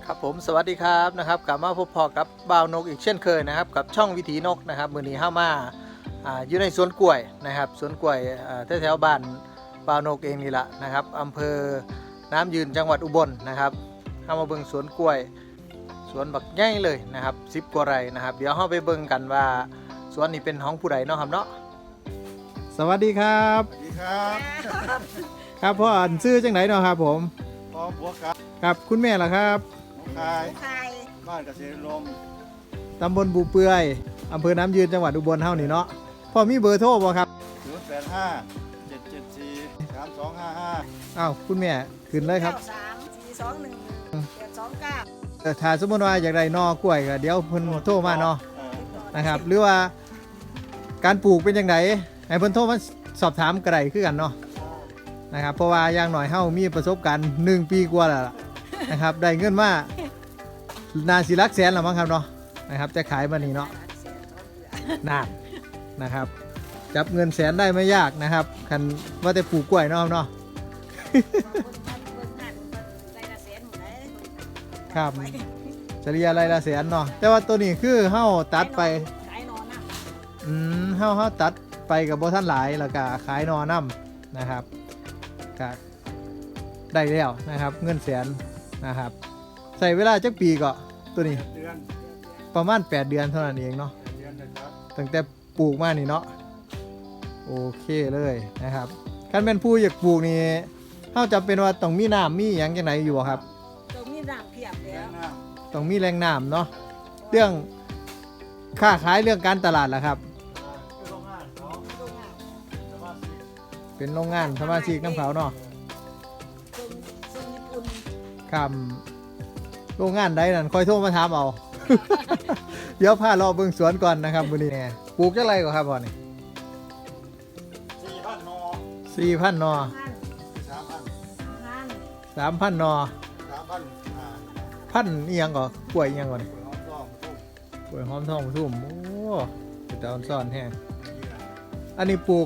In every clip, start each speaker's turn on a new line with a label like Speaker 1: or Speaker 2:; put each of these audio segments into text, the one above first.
Speaker 1: ครับผมสวัสดีครับกลับมาพบพอกับบ่าวนกอีกเช่นเคยนะครับกับช่องวิถีนกนะครับมื้อนี้เข้ามาอยู่ในสวนกล้วยนะครับสวนกล้วยแถวบ้านบ่าวนกเองนี่แหละนะครับอำเภอน้ำยืนจังหวัดอุบลนะครับเข้ามาเบิ่งสวนกล้วยสวนบักใหญ่เลยนะครับ10 กว่าไร่นะครับเดี๋ยวเข้าไปเบิ่งกันว่าสวนนี้เป็นของผู้ใดเนาะครับเนาะสวัสดีครับ
Speaker 2: สวัสดีครับ
Speaker 1: ครับพ่ออ่านชื่อจังไหนเนาะครับผม
Speaker 2: พร้อมบัวครับ
Speaker 1: ครับคุณแม่ล่ะครับ
Speaker 2: น้องคายบ้านเกษตรลม
Speaker 1: ตำบลบูเปื่อยอำเภอน้ำยืนจังหวัดอุบลเฮานี่เนาะพ่อมีเบอร์โทรบ่ครับ
Speaker 2: 085 774 3255
Speaker 1: อ้าวคุณแม่ขึ้นเลยครับ
Speaker 3: 3 4 2 1 8 2 9
Speaker 1: ถ้าสมมติว่าอยากได้นอกล้วยก็เดี๋ยวเพิ่นโทรมาเนาะนะครับหรือว่าการปลูกเป็นจังไดให้เพิ่นโทรมาสอบถามก็ได้คือกันเนาะนะครับเพราะว่าอย่างหน่อยเฮามีประสบการณ์1 ปีกว่าแล้วล่ะนะครับได้เงินมานาสิหลักแสนแล้วมั้งครับเนาะนะครับจะขายมานี่เนาะนานนะครับจับเงินแสนได้ไม่ยากนะครับคันว่าแต่ปลูกกล้วยเนาะครับเนาะครับเฉลี่ยรายละแสนเนาะแต่ว่าตัวนี้คือเฮาตัดไปเฮาตัดไปกับบ่ทันหลายแล้วก็ขายนอน้ำนะครับก็ได้แล้วนะครับเงินแสนนะครับใส่เวลาจักปีก็ตัวนี้
Speaker 2: เดือน
Speaker 1: ประมาณ8 เดือนเท่านั้นเองเนาะ
Speaker 2: เดือนนะครับ
Speaker 1: ตั้งแต่ปลูกมานี่เนาะโอเคเลยนะครับคันเป็นผู้อยากปลูกนี่เฮาจำเป็นว่าต้องมีน้ำมีหยังจังไหนอยู่บ่ครับ
Speaker 3: ตรงนี้น้ำเพียบ
Speaker 2: แก
Speaker 3: แล้ว
Speaker 2: งน้
Speaker 1: ต้องมีแหล่งน้ำเนาะเรื่องค้าขายเรื่องการตลาดล่ะครับ
Speaker 2: ำโรงงานเขา
Speaker 3: ตรงน้
Speaker 2: สมาชิก
Speaker 1: เป็นโรงงานสมาชิกน้ำเขาเนาะ
Speaker 3: ำตรงญี่ปุ่น
Speaker 1: ครับโรงงานใดนั่นคอยโทรมาถามเอา เดี๋ยวพาเราเบิ่งสวนก่อนนะครับมื้อนี้ปลูกจังไรก็ครับพ่อนี่
Speaker 2: 4,000 นอ
Speaker 1: 4,000 นอ
Speaker 3: งาน
Speaker 2: 3,000
Speaker 3: งาน
Speaker 1: 3,000 นอ
Speaker 2: 3,000
Speaker 1: พันอีหยังก็กล้วยอีหยังก่อน
Speaker 2: ปุ๋ยหอมทองตุ้ม
Speaker 1: กล้วยหอมทองทุ่มโอ้เป็นตาซ่อนแห้งอันนี้ปลูก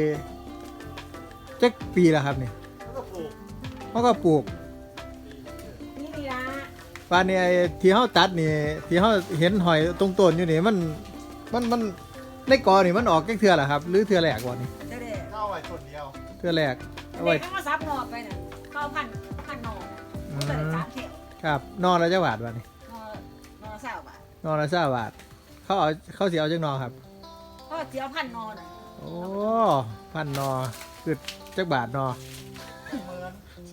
Speaker 1: จักปีแล้วครับนี่
Speaker 2: แล้วก็ปลูก
Speaker 1: เขาก็ปลูก
Speaker 3: นี่นี่ละ
Speaker 1: ปานนี้ที่เฮาตัดนี่ที่เฮาเห็นหอยตรงต้นอยู่นี่มันในกอนี่มันออกจักเทื่อล่ะครับหรือเทื่อแรกบ่นี่
Speaker 3: เด็ด
Speaker 2: เข้าไว้ต้นเดียว
Speaker 1: เทื่อแรกเอา
Speaker 3: เด็
Speaker 1: ไว้
Speaker 3: กก็มาซับหนอไปน่ะเข้าพันหนอน่ะก็เลย3 เข็ม
Speaker 1: ครับนอละจักบาทบ่นี่
Speaker 3: หนอ20 บาท
Speaker 1: นอละ20 บาทเขาสิเอาจักนอครับ
Speaker 3: เพราะเจียวพันหนอน่ะ
Speaker 1: โอ้พันนอคือจักบาทนอ
Speaker 2: เหมือน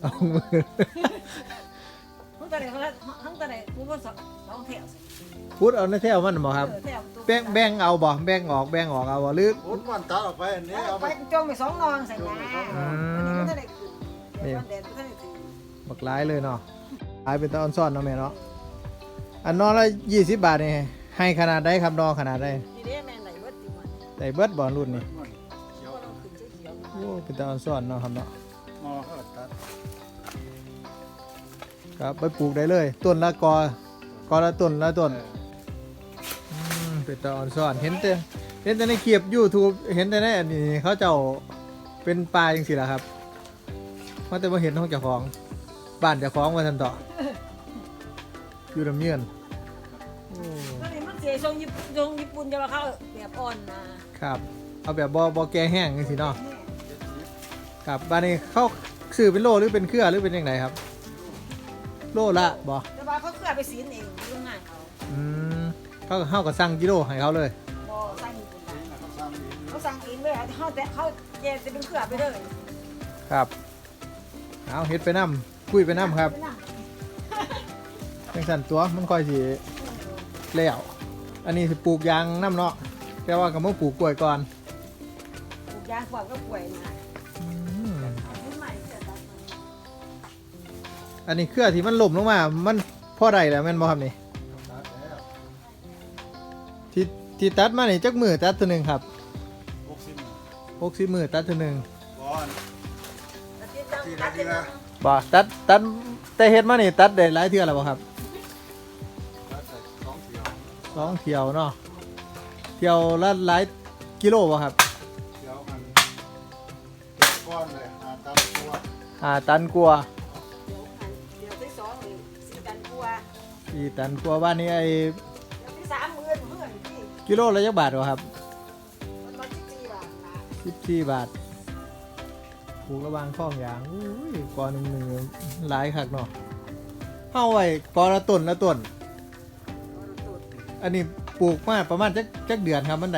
Speaker 1: 20,000
Speaker 3: ทั้งแต่ไหนเขาทั้งแต่ไหนกูก็2 แถว
Speaker 1: พูดเอาในแถวมันบ่ครับ
Speaker 3: แถว
Speaker 1: แบ่งเอาบ่แบ่งออกเอาบ่หรือ
Speaker 2: ผลมันตัดออกไปอันนี้เอา
Speaker 3: ไป
Speaker 2: ไป
Speaker 3: จงไป2 นองใส่น้ำอันนี้ไม่ได้ขึ้นเดี๋ยวแดดไม่ได้ถึง
Speaker 1: บักหลายเลยเนาะขายเป็นตอนซ่อนเนาะแม่เนาะอันนอละ20 บาทนี่ให้ขนาดใดครับนอขนาดใด
Speaker 3: ทีนี้แม่ไหนเบิดติมัน
Speaker 1: ได้เบิดบ่รุ่นนี่
Speaker 2: เขียว
Speaker 3: ก็ต้องขึ้นเขียว
Speaker 1: โอ้เป็นตอนซ่อนเนาะครับเนาะ
Speaker 2: นอเขาตัด
Speaker 1: ครับไปปลูกได้เลยต้นละกอละต้นเป็นตอนซ่อนเห็นแต่ในคลิป YouTube เห็นแต่ในอันนี้เขาเจ้าเป็นปลาจังซี่ล่ะครับเพราะแต่บ่เห็นของเจ้าของบ้านเจ้าของว่าซั่นต่ออยู่ลำเยือนโอ้
Speaker 3: ก็เลยมันเสียทรงญี่ปุ่นจะมาเข้าแบบอ่อนนะครับ
Speaker 1: เอาแบบบ่แก่แห้งจังซี่เนาะครับบ้านนี้เขาซื้อเป็นโลหรือเป็นเครือหรือเป็นจังไดครับโลละบ่
Speaker 3: แต่ว่าเขาเคลื่อนไปสีนเองโรงงานเขา
Speaker 1: เขาก็สั่งกิโลให้เขาเลย
Speaker 3: บ่สร้างญี่ปุ่น
Speaker 2: นี่นะเขาสร้างดี
Speaker 3: เขาสั่งเองเลยเขาแต่เขาแกจะเป็นเครือไปเลย
Speaker 1: ครับเอาเฮ็ดไปน้ำคุยไปน้ำครับจังสั่นตัวมันค่อยสิแล้วอันนี้สิปลูกยางน้ำเนาะแต่ว่าก็มาปลูกกล้วยก่อน
Speaker 3: ปลูกยางขวบก็ป่วยนะ
Speaker 1: อืม
Speaker 3: เอาขึ้นใหม่เสร็จแล้ว
Speaker 1: อันนี้เครือที่มันหล่มลงมามันพอได้แล้วแม่นบ่ครับนี่
Speaker 2: ตัดแล้ว
Speaker 1: ที่ตัดมานี่จักมือตัดตัวหนึงครับ
Speaker 2: 60
Speaker 1: 60มือตัดตัวหนึง
Speaker 2: ก่อน
Speaker 3: ทีละทีละ
Speaker 1: บ่ตัดแต่เฮ็ดมานี่ตัดได้หลายเทื่อแล้วบ่ครับ
Speaker 2: ตัดใส่2เขียว
Speaker 1: 2 เที่ยวเนาะเที่ยวละหลายกิโลบ่ครับ
Speaker 2: เขียวมันก้อนเลยตัดตัว
Speaker 1: ตันกว่า
Speaker 3: เดี๋ยวที่2เลย4 ตันกว่า
Speaker 1: 4 ตันกว่าบ้านนี้ไอ้
Speaker 3: ที่30,000เพื่อนพี่
Speaker 1: กิโลละจักบาทวะครับ
Speaker 3: มันมา14 บาทนะ
Speaker 1: 14 บาทปลูกระหวางข้องยางอุ้ยกอหนึ่งหลายคักเนาะเฮาไว้กอละต้นละต้น อันนี้ปลูกมาประมาณจักเดือนครับมันได้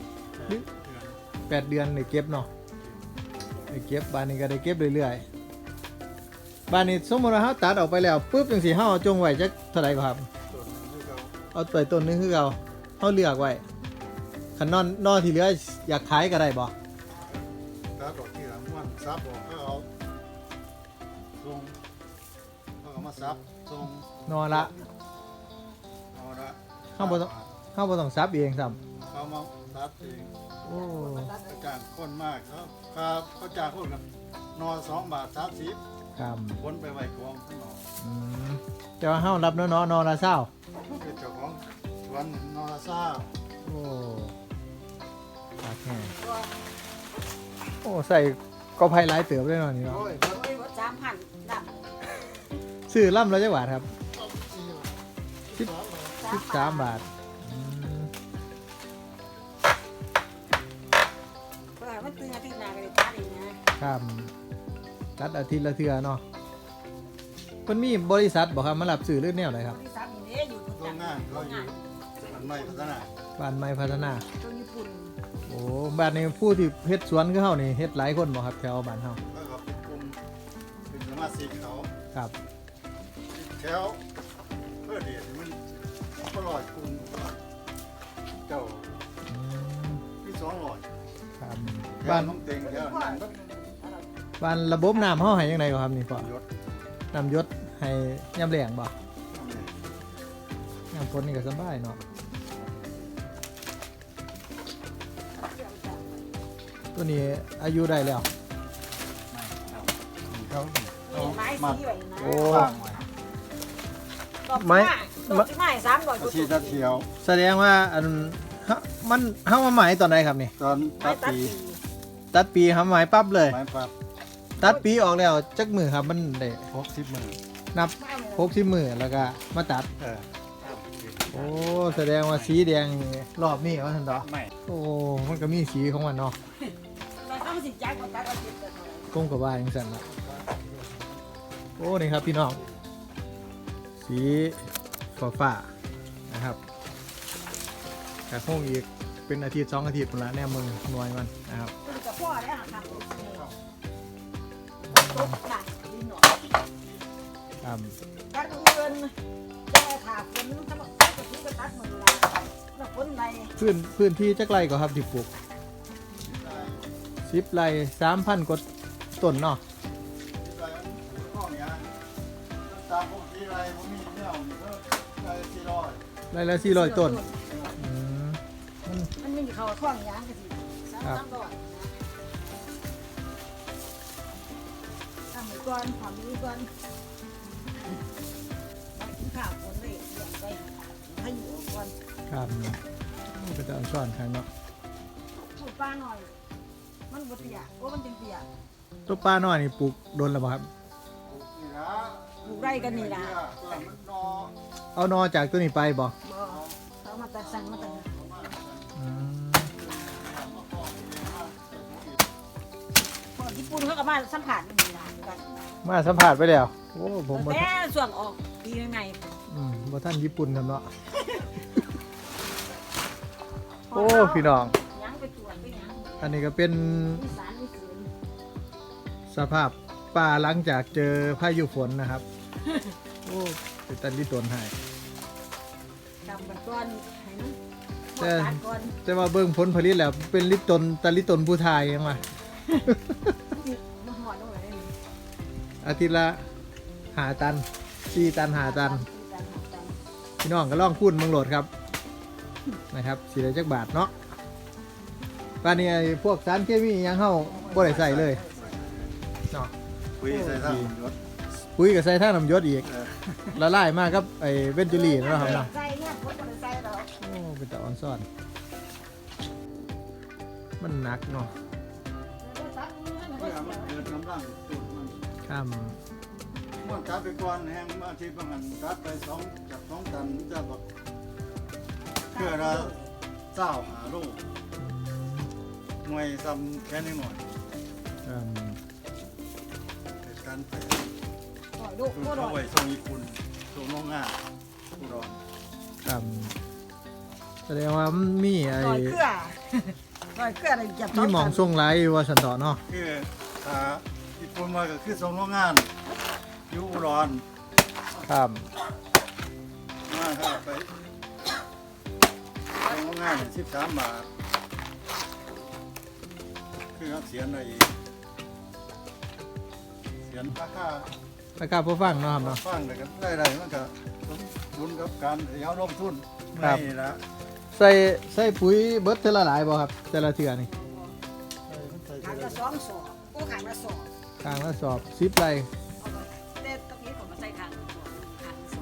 Speaker 1: 8 เดือนได้เก็บเนาะได้เก็บบ้านนี้ก็ได้เก็บเรื่อยๆบ้านนี้สมมติว่าเฮาตัดออกไปแล้วปุ๊บจังซี่เฮาเอาจงไว้จักเท่าไหร่ครับ
Speaker 2: ส่วนที่เขา
Speaker 1: เอาตัวต้นนึงคือเก่าเฮาเลือกไว้คันนอนที่เหลืออยากขายก็ได้บ่
Speaker 2: ถ้าดอกที่หลังมันซับออกก็เอาทรงเอามาซับทรง
Speaker 1: นอนละ
Speaker 2: เอาละ
Speaker 1: เฮาบ่ต้องซับเองซ้ำ
Speaker 2: เขามาซับเอง
Speaker 1: โอ้
Speaker 2: เขาจ้างคนมากเขาจ้างคนกับนอน2 บาท 30
Speaker 1: ครับ
Speaker 2: คนไปไว้กองข้างนอก
Speaker 1: อืมแต่ว่าเฮารับเนาะนอนละเช้า
Speaker 2: เป็นเจ้าของสวนนอนซ่า
Speaker 1: โอ้ปากแห้งโอ้ใส่ก็ไผหลายเติบเลยเนาะนี่เนาะ
Speaker 2: โอ้ย
Speaker 3: โอ้ยว่า3,000ดับ
Speaker 1: ซื้อลำละจักบาทครับ
Speaker 2: 13
Speaker 1: 13 บาทอืม
Speaker 3: เพื่อให้มันตึงอาทิตย์หน้าก็ได้ตัดอีกนะครับ
Speaker 1: ตัดอาทิตย์ละเทื่อเนาะเพิ่นมีบริษัทบ่ครับมารับซื้อหรือแนวไหนครับ
Speaker 3: บริษัทนี่เด้อยู่ทุก
Speaker 2: โรงงานเขาอยู่มันไม่พัฒนา
Speaker 1: บ้านไม้พัฒนา
Speaker 3: ตัวญี่ปุ่น
Speaker 1: โอ้บ้านนี้ผู้ที่เฮ็ดสวนคือเฮานี่เฮ็ดหลายคนบ่ครับแถวบ้านเฮา
Speaker 2: แล้วก็เป็นกลุ่มเป็นสมาชิกเขา
Speaker 1: ครับ
Speaker 2: แถวเพื่อเดียดมันก็ลอยกลุ่มเจ้า
Speaker 1: อืม
Speaker 2: ที่200
Speaker 1: ครับ
Speaker 2: บ้า
Speaker 1: บ้าน น
Speaker 2: น้องเต็งแถวนั้นก็
Speaker 1: บ้านระบบน้ำเฮาให้จังไดบ่ครับนี่พ่อย
Speaker 2: ศ
Speaker 1: น้ำหยศให้ยามแล้งบ่ยามฝนนี่ก็สบายเนาะตัวนี้อายุได้แล้ว
Speaker 2: เขา
Speaker 3: ไม้สีไว้นะ
Speaker 1: โอ้
Speaker 2: สร้างไว้
Speaker 3: ดอกไม้ดอกไม้300
Speaker 2: อาชีพตะเทียว
Speaker 1: แสดงว่าอันมันเฮามาหมายตอนใดครับนี่
Speaker 2: ตอน
Speaker 3: ไม้
Speaker 2: ตัด
Speaker 3: ตัด
Speaker 2: ปี
Speaker 3: ปี
Speaker 1: ตัดปีครับหมายปั๊บเลย
Speaker 2: ไม้ปับ
Speaker 1: ตัดปีออกแล้วจักมือครับมันได้
Speaker 2: 60 มื้อ
Speaker 1: นับ60มือแล้วก็มาตัด โอ้แสดงว่าสีแดงนี่รอบนี้ว่าท่านดอก
Speaker 2: ไม่
Speaker 1: โอ้มันก็มีสีของมันเนาะ
Speaker 3: เราต้องสิจ่ายก่อนตัดเอาสิแต่เท่าไหร่
Speaker 1: ก้มกับว่าอย่างสั่นละโอ้นี่ครับพี่น้องสีฟ้าๆนะครับกระโค้งอีกเป็นอาทิตย์2 อาทิตย์พุ่นละแน่มือหน่วยมันนะครับ
Speaker 3: ตัวกับพ่อได้หาทางตุ๊กน่ะดินหนอ
Speaker 1: ครับ
Speaker 3: ตัดเงินจะมาถากฝนถ้ามันตัดก็คือก็ตัดมือละแล้วฝนไร
Speaker 1: พื้นที่จักไรก็ครับที่ปลูก10 ไร่ 3,000 กว่าต้นเนาะ
Speaker 2: ตามพวกที่ไรพวกนี้เนี่ยไร400
Speaker 1: ไร่ละ400 ต้นอืม
Speaker 3: มันไม่มีเขาท่วงยางกันสิ300นะทำมือก่อนทำมือก่อนกินข้าวฝนเลยเลี้ยงไปให้อยู่ก่อน
Speaker 1: ครับก็จะเอาซ่อนข้างเนาะ
Speaker 3: ปลูกปลาหน่อย มันบ่เตี้ยโอ้มันเป็นเตี้ย
Speaker 1: ตัวปลาน้อยนี่ปลูกโดนแล้วบ่ครับ
Speaker 2: นี่นะ
Speaker 3: ปลูกไร่กันนี่ล่ะ
Speaker 2: มันนอ
Speaker 1: เอานอจากตัวนี้ไปบ่
Speaker 3: บ่เขามาตัดสั่งมาตัด
Speaker 1: อืม
Speaker 3: พวกญี่ปุ่นเขาก็มาสัมผัสนี่ล่ะกัน
Speaker 1: มาสัมผัสไปแล้วโอ้ผมบ่
Speaker 3: แต่ส่วนออกปีใหม่
Speaker 1: บ่ท่านญี่ปุ่นครับเนาะโอ้พี่น้อง
Speaker 3: ยังไปตรวจไปยัง
Speaker 1: อันนี้ก็เป็น
Speaker 3: มีสารมีคืน
Speaker 1: สภาพป่าหลังจากเจอพายุฝนนะครับ โอ้เป็นตันลิตนให้
Speaker 3: กำบันก้อนให้มัน
Speaker 1: แต่
Speaker 3: ตัดก่อน
Speaker 1: แต่ว่าเบิ่งผลผลิตแล้วเป็นลิตนตันลิตนผู้ไทยยังว่า
Speaker 3: มันหอดลงเลยนี่
Speaker 1: อาทิตย์ละ5 ตัน4 ตัน5 ตัน พี่น้องก็ลองคูณเมืองโหลดครับนะครับสีได้จักบาทเนาะป่านนี้ไอ้พวกสารเคมีอิหยังเข้าบ่ได้ใส่เลยเนาะ
Speaker 2: คุยใส่ท่านรถ
Speaker 1: ปุ๋ยก็ใส่ท่าน้ำยศอีกละลายมากครับไอ้เวนจูรี่เนาะครับเนาะ
Speaker 3: ใส่เนี่ยคนบ่ได้ใส่ดอก
Speaker 1: โอ้เป็นตาอ่อนซ่อน มันหนักเนาะ
Speaker 3: ตัดมือมัน
Speaker 2: เพื่อมันเกิดกำลังจุดมัน
Speaker 1: ข้าม
Speaker 2: ม้วนตัดไปก่อนแห้งอาทิตย์บางอันตัดไปจาก2 ตันจะแบบเพื่อละ25 โลหน่วยซ้ำแค่นี้หน่อย
Speaker 1: อืม
Speaker 2: เป็นการไป
Speaker 3: หน่อยลูก
Speaker 2: คือ
Speaker 3: ก็หน่
Speaker 2: เขา
Speaker 3: อย
Speaker 2: ไว้ส่งญี่ปุ่นส่งโรงงานอุดร
Speaker 1: ครับแสดงว่ามันมีไอ้
Speaker 3: หน่อยเกลือหน่อยเกลืออะไรจับ
Speaker 1: มีหมองส่งไลายว่าสันต่อเนาะ
Speaker 2: คือญี่ปุ่นมาก็คือส่งโรงงานอยู่อุดร
Speaker 1: ครับ
Speaker 2: มาครับไปส่งโรงงาน13 บาทคือเขาเสียในเสียนราคา
Speaker 1: แล้วก็ผู้ฟังเนาะครับเนาะ
Speaker 2: ฟังเลยกันได้มันก็สมดุลกับการที่เขาลงทุน
Speaker 1: ครับ
Speaker 2: นี่ละ
Speaker 1: ใส่ปุ๋ยเบิดเท่าละหลายบ่ครับแต่ละเทื่อนี่
Speaker 3: ขายละ2 ศอกโอ้ขายละ2
Speaker 1: ทางละสอบ10 ไร่
Speaker 3: เอาไปแต่ตรงนี้ผมมาใส่ขางละ2ขางละ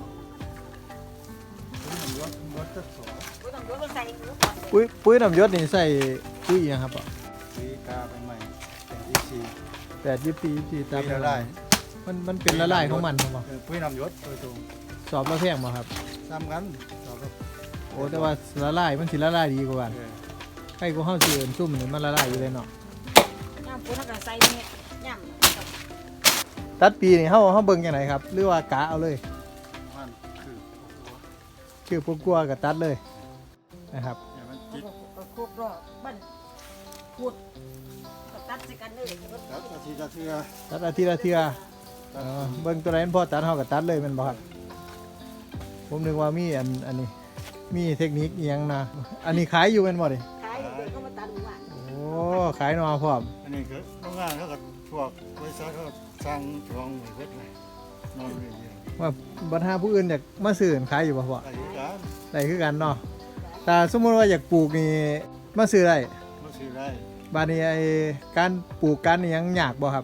Speaker 3: 2
Speaker 2: รถจะสอ
Speaker 3: ก็ต้องยกมาใส่หมูก่อน
Speaker 1: ปุ๋ยน้ำยศนี่ใส่ปุ๋ยอิหยังครับอ่ะ
Speaker 2: สีกาไปใหม่แต่ที่สี่
Speaker 1: 8 24ตาม
Speaker 2: ปีละลาย
Speaker 1: มันเป็นละลายของมันครับบ่
Speaker 2: ปุ้ยนำยศโดยตรง
Speaker 1: สอบละแพงบ่ครับ
Speaker 2: ซ้ำกันสอบกับ
Speaker 1: โอ้แต่ว่าละลายมันสิละลายดีกว่ากัน
Speaker 2: เออ
Speaker 1: ใครก็เฮาสิเอิ้นซุ่มนี่มันละลายอยู่เลยเนาะ
Speaker 3: ย่ำปูถ้าก็ใส่เนี่ยย่ำ
Speaker 1: ตัดปีนี่เฮาเบิ่งจังไดครับ หรือว่ากะเอาเลย
Speaker 2: มันคือ
Speaker 1: ชื่อพวกกลัวก็ตัดเลยนะครับ
Speaker 2: เนี่ยมันจิต
Speaker 3: ก็ครบรอบบ้านขุดก็ตัดใส่กันเลย
Speaker 2: แล้วอาทิตย์ละเทื่อ
Speaker 1: ตัดอาทิตย์ละเทื่อเบิ่งตัวไหนมันพอตัดเฮาก็ตัดเลยแม่นบ่ครับผมนึกว่ามีอันนี้มีเทคนิคอีหยังนะอันนี้ขายอยู่แม่นบ่ดิ
Speaker 3: ขายเด็กก็มาตัดหมู่บ้าน
Speaker 1: โอ้ขายหนอพร้อม
Speaker 2: อันนี้คือโรงงานเขาก็พวกบริษัทเขาสร้างช่องไว้เวทเลยนอนเรื่อย
Speaker 1: ว่าบัดหาผู้อื่นอยากมาซื้อขายอยู่บ่พ่อ
Speaker 2: ๆอายุการ
Speaker 1: ได้คือกันเนาะแต่สมมุติว่าอยากปลูกนี่มาซื้อได้
Speaker 2: มาซื้อได้
Speaker 1: บาดนี้ไอ้การปลูกกันนี่ยังยากบ่ครับ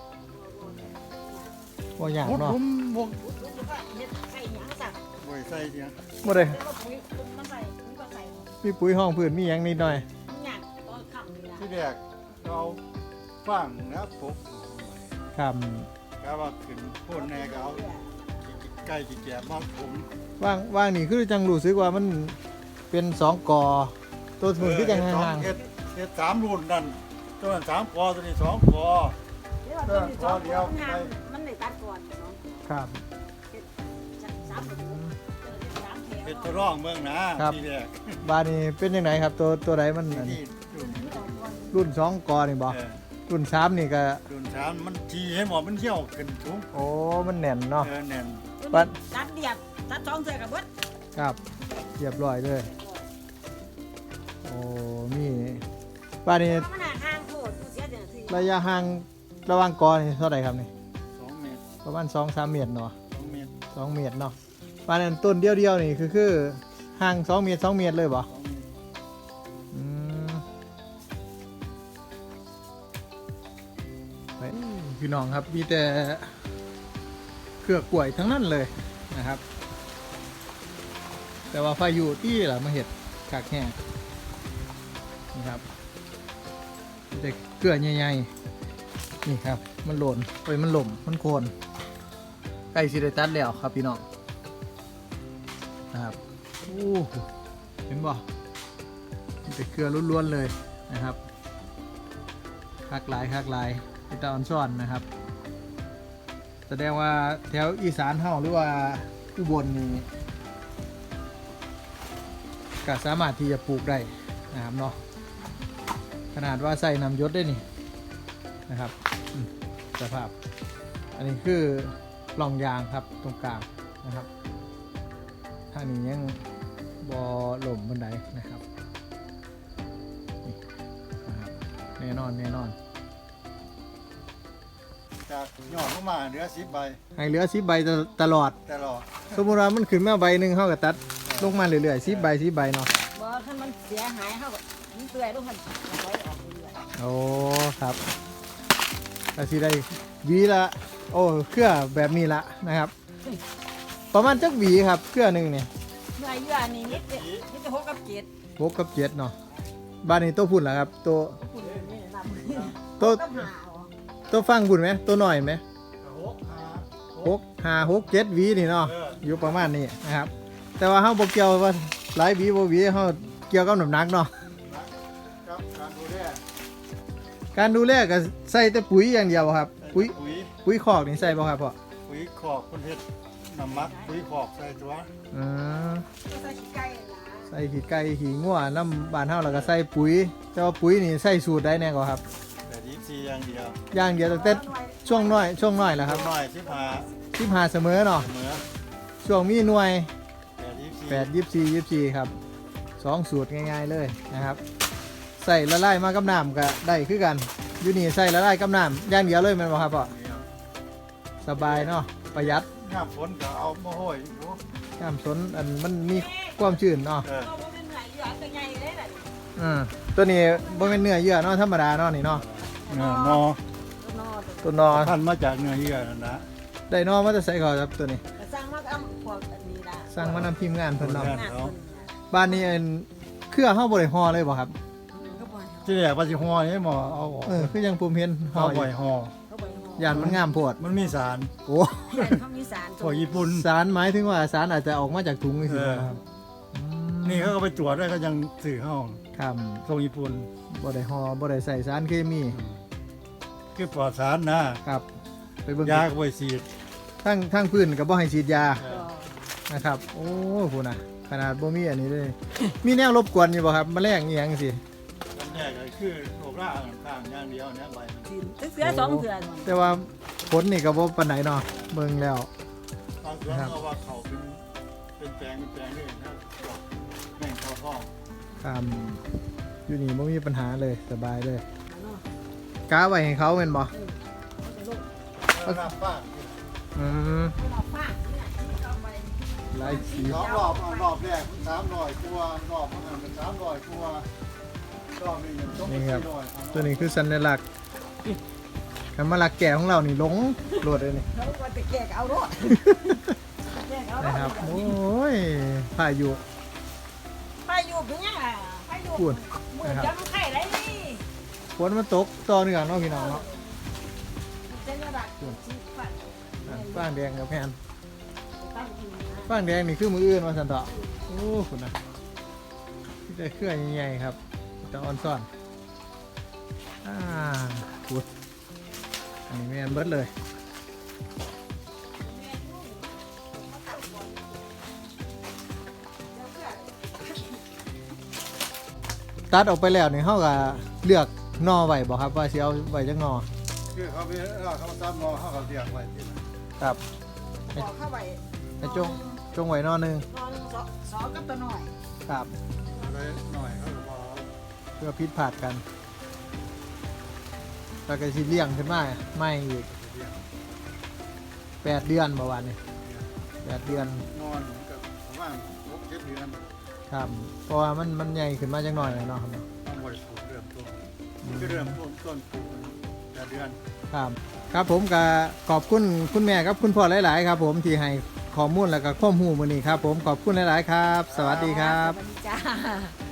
Speaker 1: บ่ยาก
Speaker 2: มุด
Speaker 1: เนาะ
Speaker 2: ผมวง
Speaker 3: รู้สึกว่าเฮ็ดใส่หยังสั่ง
Speaker 2: ไว้ใส่เนี่ย
Speaker 1: บ่ได้
Speaker 3: แต่ว่าปุ๋ยมันใส่ปุ๋ยก็ใส่
Speaker 1: มีปุ๋ยห้องพื้นมีหยังนิดหน่อย
Speaker 3: มันหยังตอนค่ำนี่ล่ะ
Speaker 2: ที่แรกเราฟังนะปุ๊บ
Speaker 1: ครับ
Speaker 2: ก็ว่าขึ้นโพ่นแน่ก็เอาใกล้จีแก่บ้านผม
Speaker 1: ว่างนี่คือจังรู้สึกว่ามันเป็น2กอตัวสมุนคือจังห่าง
Speaker 2: เฮ็ด3 รุ่นนั่นตัวนั้น3 กอตัวนี้2 กอ
Speaker 3: เดี๋ยวว่าตัวนี้สองตัวมันงามมันได้ตัดก่อนสอง
Speaker 1: ๆครับ
Speaker 3: สามตัวสามแถว
Speaker 2: เป็นตัวร่องเมืองนะครับ ที่แรก
Speaker 1: บาดนี้เป็นจังไดครับตัวใดมันอันนี้
Speaker 2: ที่รุ่น
Speaker 1: รุ่น2กอนี่บ่
Speaker 2: เออ
Speaker 1: รุ่น3นี่ก็
Speaker 2: รุ่น3มันทีให้หมอมันเที่ยวขึ้นสูง
Speaker 1: โอ้มันแน่นเนาะ
Speaker 2: แน่น
Speaker 3: ตัดเดียบตัดสองเสือกับเบิด
Speaker 1: ครับเรียบร้อยเลยโอ้มีบาดนี้
Speaker 3: มันห่างโคตรเสียเดือดสิ
Speaker 1: ระยะห่างระหว่างกอนี่เท่าไหร่ครับนี่
Speaker 2: 2 เมตร
Speaker 1: ประมาณ2-3 เมตรเนาะ
Speaker 2: 2 เมตร
Speaker 1: 2 เมตรเนาะบาดนั้นต้นเดียวๆนี่คือห่าง2 เมตร 2 เมตรเลยบ่
Speaker 2: 2 เมตร
Speaker 1: อืมไปพี่น้องครับมีแต่เครือกล้วยทั้งนั้นเลยนะครับ แต่ว่าพายุที่ล่ะมาเห็ดขากแห้งนี่ครับมีแต่เกลือใหญ่ๆนี่ครับ มันหล่นไปมันหล่มมันโคนใกล้สิได้ตัดแล้วครับพี่น้องนะครับโอ้เห็นบ่มีแต่เกลือล้วนๆเลยนะครับคักหลายเป็นตาออนซ่อนนะครับ แสดงว่าแถวอีสานเฮาหรือว่าอุบลนี่ก็สามารถที่จะปลูกได้นะครับเนาะขนาดว่าใส่น้ำยศได้นี่นะครับสภาพ อันนี้คือปล่องยางครับตรงกลางนะครับทางนี้ยังบอหล่มบันไดนะครับนี่นะครับแน่นอน
Speaker 2: จากยอดลงมาเหลือ10 ใบ
Speaker 1: ให้เหลือ10 ใบตลอด
Speaker 2: แต่รอ
Speaker 1: สมมติว่ามันขึ้นมาใบหนึ่งเขาก็ตัดลงมาเรื่อยๆ10 ใบเนาะ
Speaker 3: บ่ถ้ามันเสียหายเฮาก็มันเปื่อยลงมันไว้ออกเรื่อย
Speaker 1: โอ้ครับก็สิได้หวีละโอ้เครือแบบนี้ละนะครับ ประมาณจักหวีครับเครือหนึ่งเนี่ย
Speaker 3: เมื่ออายุอันนี้นิดเดียวนิดจะ6กับ7
Speaker 1: 6 กับ 7เนาะบ้านนี้ตัวพุ่นล่ะครับตัว
Speaker 3: คุณนี่นำ
Speaker 1: ตัว
Speaker 3: กับหา
Speaker 1: ตัวฟังพุ่นไหมตัวหน่อยไหม
Speaker 2: 6 5 6
Speaker 1: 6 7หวีนี่เนาะอยู่ประมาณนี้นะครับ แต่ว่าเฮาบ่เกี่ยวว่าหลายหวีบ่หวีเฮาเกี่ยวกับน้ำหนักเนาะ
Speaker 2: ครับ
Speaker 1: การดูแลก็ใส่แต่ปุ๋ยอย่างเดียวครับ ปุ๋ย
Speaker 2: ปุ๋ย
Speaker 1: ปุ๋ยคอกนี่ใส่บ่ครับพ่อ
Speaker 2: ปุ๋ยขอกคนเฮ็ดน้ำมักปุ๋ยขอกใส่ตัว
Speaker 1: อืม
Speaker 3: ก็ใส่ขี้ไก่ล่ะ
Speaker 1: ใส่ขี้ไก่ขี้งัวน้ำบ้านเฮาแล้วก็ใส่ปุ๋ยแต่ว่าปุ๋ยนี่ใส่สูตรได้แน่กว่าครับ
Speaker 2: แต่ดีซีอย่างเดียว
Speaker 1: อย่างเดียวตั้งแต่ช่วงน้อยแหละครับ
Speaker 2: ทำหน่อย
Speaker 1: 15เสมอเนาะ
Speaker 2: เสมอ
Speaker 1: ช่วงมีหน่วย
Speaker 2: แต่ดีซี
Speaker 1: 8 24ครับ2สูตรง่ายๆเลยนะครับใส่ละลายมากับน้ำก็ได้คือกันอยู่นี่ใส่ละลายกับน้ำอย่างเดียวเลยแม่นบ่ครับพ่อสบายเนาะประหยัด
Speaker 2: น้ำฝนก็เอามาห้อยอยู่
Speaker 1: น้ำสนอันมันมีความชื้นเนาะ
Speaker 3: เราบ่เป็นไหนเหลือตัวใหญ่เลยน่ะ
Speaker 1: ตัวนี้บ่เป็นเนื้อเยื่อเนาะธรรมดาเนาะนี่เนาะ
Speaker 2: นอ
Speaker 3: ตัวนอ
Speaker 1: ตัวนอ
Speaker 2: พันมาจากเนื้อเยื่อนั่นนะ
Speaker 1: ได้นอมาจะใส่ก่อนครับตัวนี้
Speaker 3: ก็สร้างมากับพวกอันนี้ล่ะ
Speaker 1: สร้างมานำทีมงานเพิ่นเนาะ
Speaker 3: งานเพิ่น
Speaker 1: บ้านนี้อันเครือเฮาบ่ได้ห่อเลยบ่ครับ
Speaker 3: ก็บ่
Speaker 2: ที่แรกว่าสิห่อนี่หมอเอาออก
Speaker 1: คือยังผมเห็นห่
Speaker 2: ห่
Speaker 1: อ
Speaker 2: อ
Speaker 1: อยู่
Speaker 2: บ่อยห่อ
Speaker 3: เขาบ่ฮ้
Speaker 1: ย่านมันงามโพด
Speaker 2: มันมีสาร
Speaker 1: โอ้
Speaker 3: เขามีสาร
Speaker 2: พวกญี่ปุ่น
Speaker 1: สารหมายถึงว่าสารอาจจะออกมาจากถุงนี่สิครับ
Speaker 2: นี่เขาก็ไปตรวจได้ก็ยังสื่อเข้า
Speaker 1: ครับ
Speaker 2: ส่งญี่ปุ่น
Speaker 1: บ่ได้ห่อบ่ได้ใส่สารเคมี
Speaker 2: คือปลอดสารนะครับ
Speaker 1: ไปเบิ่ง
Speaker 2: ยาก็ไปฉีด
Speaker 1: ทั้งพื้นก็บ่ให้ฉีดยา
Speaker 2: เออ
Speaker 1: นะครับ โอ้พูน่ะขนาดบ่มีอันนี้เลย มีแนวรบกวนอยู่บ่ครับแมลงอีหยังสิ
Speaker 2: มันแยกก็คือโรคร่าข้างอย่างเดียวเนี่ยใบมัน
Speaker 3: เสือ2เสือ
Speaker 1: แต่ว่าผลนี่ก็บ่ปานใดเนาะเบิ่งแล้ว
Speaker 2: บางส่วนเขาว่าเขาเป็นแปลงนี่นะแม่งเขาท้อง
Speaker 1: ครับอยู่นี่ไม่มีปัญหาเลยสบายเลยกาไว้ให้เขาเป็นบ่
Speaker 2: แล้วน้ำป้า
Speaker 1: อืม
Speaker 3: เราฟาดเนี่ยเอาไป
Speaker 1: หลายสี
Speaker 2: สองรอบแรก300กว่ารอบนั้นเป็น300กว่ารอบนี้ยังต้อง
Speaker 1: นี่ครับ
Speaker 2: 400
Speaker 1: ตัวนี้คือสัญลักษณ์คำว่าลักแก่ของเรานี่หลงโหลดเลยนี่
Speaker 3: เขาก็จะแกกเอารถแกกเอาร
Speaker 1: นะครับ
Speaker 3: ถ
Speaker 1: โอ้ยพายุ
Speaker 3: ไปอยู่เป็นยังไงไปอยู่
Speaker 1: พูด
Speaker 3: มือจังไข่ไรนี่
Speaker 1: ฝนมันตกต่อเนื่องเนาะพี่น้องเนาะ
Speaker 3: เจนรักชีฟัน
Speaker 1: ฟางแดงกับแพน
Speaker 3: ตั้งอยู่นะ
Speaker 1: ฟางแดงนี่คือมืออื่นมาสันต่อโอ้คุณนะที่ได้เครื่องใหญ่ๆครับจะออนซ่อนพูดอันนี้แม่นเบิดเลย ตัดออกไปแล้วนี่เขาก็เลือกหนอไว้บ่ครับว่าสิเอาไว้จักหนอ
Speaker 2: คือเขาไปเขาซ้ำมอเขาก็เรียกไว้ที่นั่น
Speaker 1: ครับ
Speaker 3: บอกเข้าไป
Speaker 1: ให้จงไว้หนอหนึง
Speaker 3: นอนสอกับตัวหน่อย
Speaker 1: ครับ
Speaker 2: อะไรหน่อยเขาก็พอ
Speaker 1: เพื่อพิษผาดกันแล้วก็สิเลี้ยงขึ้นมาไม่อีก
Speaker 2: เรียก
Speaker 1: 8 เดือนประมาณนี้8 เดือน
Speaker 2: นอนกับประมาณ6-7 เดือน
Speaker 1: ครับเพราะว่ามันใหญ่ขึ้นมาจังหน่อยเนาะครับ
Speaker 2: ต้องบริสุทธิ์เริ่มต้นคือเริ่มต้นปลูก8 เดือน
Speaker 1: ครับครับผมก็ขอบคุณคุณแม่ครับคุณพ่อหลาย ๆ ครับ ผมที่ให้ข้อมูลแล้วก็ข้อมูลมื้อนี้ครับ ผมขอบคุณหลาย ๆ ครับ สวัสดีครับ
Speaker 3: สวัสดีจ้า